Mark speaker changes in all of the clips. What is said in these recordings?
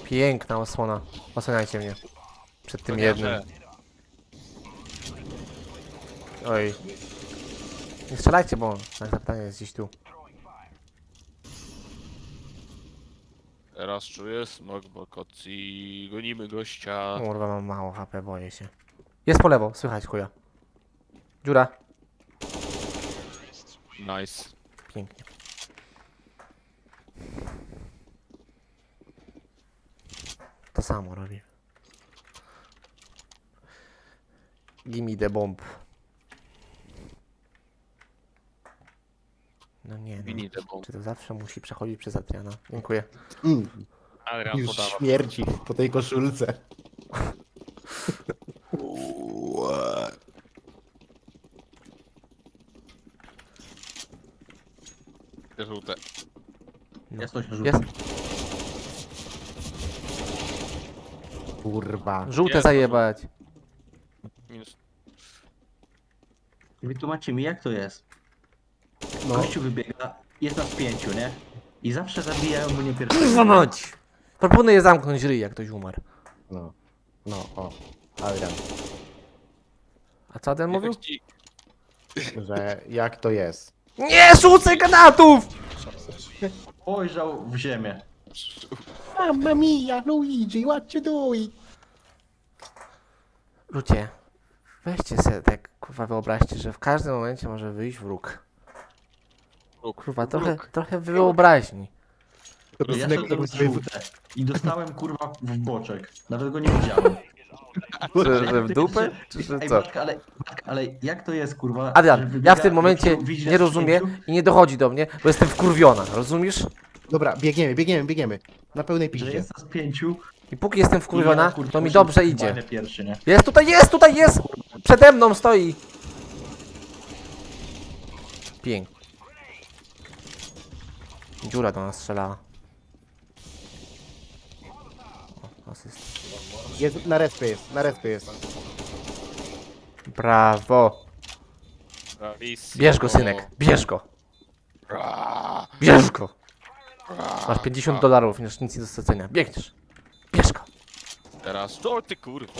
Speaker 1: Piękna osłona. Osłaniajcie mnie. Przed tym jednym. Oj. Nie strzelajcie, bo nasze zapytanie jest gdzieś tu.
Speaker 2: Teraz czuję smog w okocji. Gonimy gościa.
Speaker 1: Kurwa, mam mało HP, boję się. Jest po lewo, słychać chuja. Dziura.
Speaker 2: Nice.
Speaker 1: Pięknie. To samo robi. Gimme the bomb. No nie,
Speaker 2: Mini
Speaker 1: no.
Speaker 2: debą.
Speaker 1: Czy to zawsze musi przechodzić przez Adriana? Dziękuję.
Speaker 2: Adrian
Speaker 3: Już
Speaker 2: podawa.
Speaker 3: śmierci po tej koszulce.
Speaker 2: Żółte.
Speaker 4: Jest coś
Speaker 1: Jest.
Speaker 4: żółte.
Speaker 3: Kurwa.
Speaker 1: Żółte
Speaker 2: Jest,
Speaker 1: zajebać.
Speaker 2: Minus.
Speaker 4: Wytłumaczcie mi, jak to jest.
Speaker 3: No.
Speaker 4: Gościu wybiega, jest nas 5, nie? I zawsze zabijają mnie pierwszego.
Speaker 1: Kurwa mać! Proponuję zamknąć ryj, jak ktoś umarł.
Speaker 3: No. No, o. Adrian.
Speaker 1: A co Adrian mówił?
Speaker 2: Efekci-
Speaker 3: Że jak to jest?
Speaker 1: Nie rzucaj granatów!
Speaker 4: Spojrzał w ziemię.
Speaker 3: Mamma mia, Luigi, what you doing?
Speaker 1: Ludzie, weźcie sobie tak, kurwa, wyobraźcie, że w każdym momencie może wyjść wróg. Kurwa, trochę wyobraźni.
Speaker 3: To
Speaker 4: Ja
Speaker 3: synek,
Speaker 4: szedłem
Speaker 3: to
Speaker 4: z żółte. I dostałem kurwa w boczek. Nawet go nie widziałem.
Speaker 1: Że w dupę? Czy że
Speaker 4: Ej,
Speaker 1: co?
Speaker 4: ale jak to jest kurwa? że
Speaker 1: Adrian, ja
Speaker 4: wybiega
Speaker 1: w tym momencie
Speaker 4: gościu, widzi
Speaker 1: nie
Speaker 4: nas
Speaker 1: rozumiem
Speaker 4: 5?
Speaker 1: i nie dochodzi do mnie, bo jestem wkurwiona, rozumiesz?
Speaker 3: Dobra, biegniemy. Na pełnej
Speaker 4: Że
Speaker 3: piździe.
Speaker 4: jest nas 5.
Speaker 1: I póki jestem wkurwiona, to mi dobrze idzie.
Speaker 4: Pierwszy, nie?
Speaker 1: Jest tutaj jest! Przede mną stoi! Pięknie. Dziura do nas strzelała. O, asyst.
Speaker 3: Jest, na respie jest.
Speaker 1: Brawo!
Speaker 2: Bravissimo.
Speaker 1: Bierz go, synek, bierz go!
Speaker 2: Ra,
Speaker 1: Bierz go!
Speaker 2: ra.
Speaker 1: Masz $50, już nic nie do stracenia. Biegniesz! Bierz go!
Speaker 2: Teraz co ty kurwa?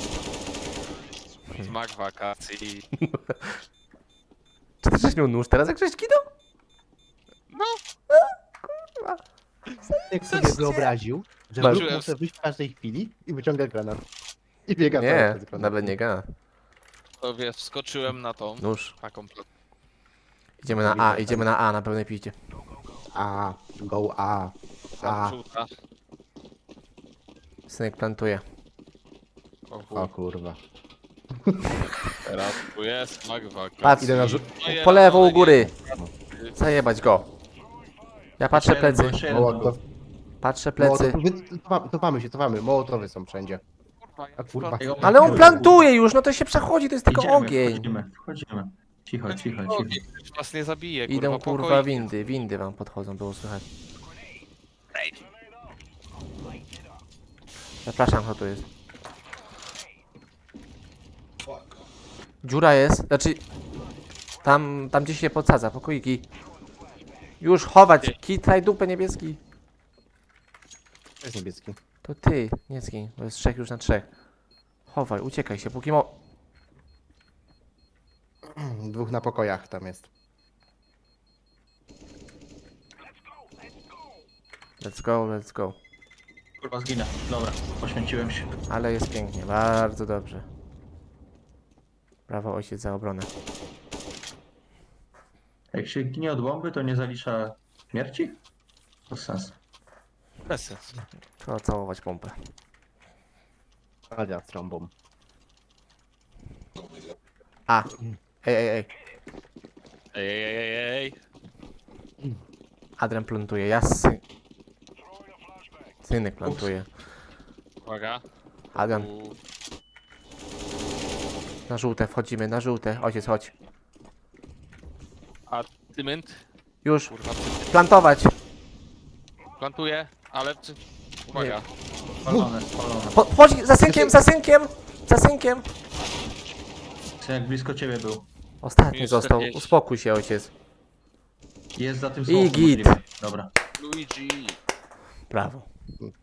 Speaker 2: Smak wakacji.
Speaker 1: Czy ty żeś miał nóż teraz, jak żeś kinął?
Speaker 2: No.
Speaker 3: Jak sobie wyobraził, że
Speaker 1: Masz-
Speaker 3: wróg może wyjść w każdej chwili i wyciąga granat. I biega
Speaker 1: Nie,
Speaker 3: cały czas z granatem.
Speaker 1: nawet nie gada.
Speaker 2: To wiesz, wskoczyłem na tą.
Speaker 1: Nóż.
Speaker 2: Taką.
Speaker 1: Idziemy na A, na pełnej piździe.
Speaker 3: A, go A. A,
Speaker 2: Żółta.
Speaker 1: Synek plantuje.
Speaker 2: O
Speaker 3: o
Speaker 2: chuj.
Speaker 3: kurwa.
Speaker 2: Teraz tu jest smak wakacji.
Speaker 1: Patrz,
Speaker 3: Idę na
Speaker 1: po lewo u góry. Zajebać go. Ja patrzę plecy.
Speaker 4: Jeszcze jeden
Speaker 3: Mołotow.
Speaker 1: Patrzę plecy.
Speaker 3: Cofamy. Mołotowy są wszędzie.
Speaker 2: Kurwa, ja
Speaker 3: A kurwa.
Speaker 4: Jego
Speaker 1: Ale on
Speaker 4: plantuje.
Speaker 1: plantuje już, no to się przechodzi, to jest tylko
Speaker 4: Idziemy,
Speaker 1: ogień.
Speaker 4: Wchodzimy. Cicho.
Speaker 2: Ogień was nie zabije, kurwa.
Speaker 1: Idą kurwa
Speaker 2: pokoik.
Speaker 1: windy wam podchodzą, było słychać. Zapraszam, kto tu jest. Dziura jest, znaczy... Tam gdzieś się podsadza, pokoiki. Już chować, kitraj dupę niebieski.
Speaker 3: To jest niebieski.
Speaker 1: To ty, nie zgiń, bo jest 3 już na 3. Chowaj, uciekaj się, póki
Speaker 3: Dwóch na pokojach tam jest.
Speaker 1: Let's go.
Speaker 4: Kurwa zginę. Dobra, poświęciłem się.
Speaker 1: Ale jest pięknie, bardzo dobrze. Brawo ojciec za obronę.
Speaker 4: Jak się ginie od bomby, to nie zalicza śmierci? To sens.
Speaker 2: Bez sensu.
Speaker 1: Trzeba całować pompę.
Speaker 3: Adia z trąbą.
Speaker 1: A! Ej.
Speaker 2: Ej.
Speaker 1: Adrian plantuje, Synek plantuje.
Speaker 2: Uwaga.
Speaker 1: Adrian,
Speaker 2: U,
Speaker 1: na żółte, wchodzimy, na żółte. Ojciec, chodź.
Speaker 2: A cement?
Speaker 1: Już,
Speaker 2: Kurwa,
Speaker 1: plantować!
Speaker 2: plantuję, ale... Uwaga.
Speaker 4: Spalone.
Speaker 1: Chodź, za synkiem!
Speaker 4: Co jak blisko ciebie był.
Speaker 1: Ostatni
Speaker 2: Minus
Speaker 1: został,
Speaker 2: 40.
Speaker 1: uspokój się ojciec.
Speaker 4: Jest za tym
Speaker 1: I
Speaker 4: smokiem
Speaker 1: git.
Speaker 4: możliwe. Dobra.
Speaker 2: Luigi.
Speaker 1: Brawo.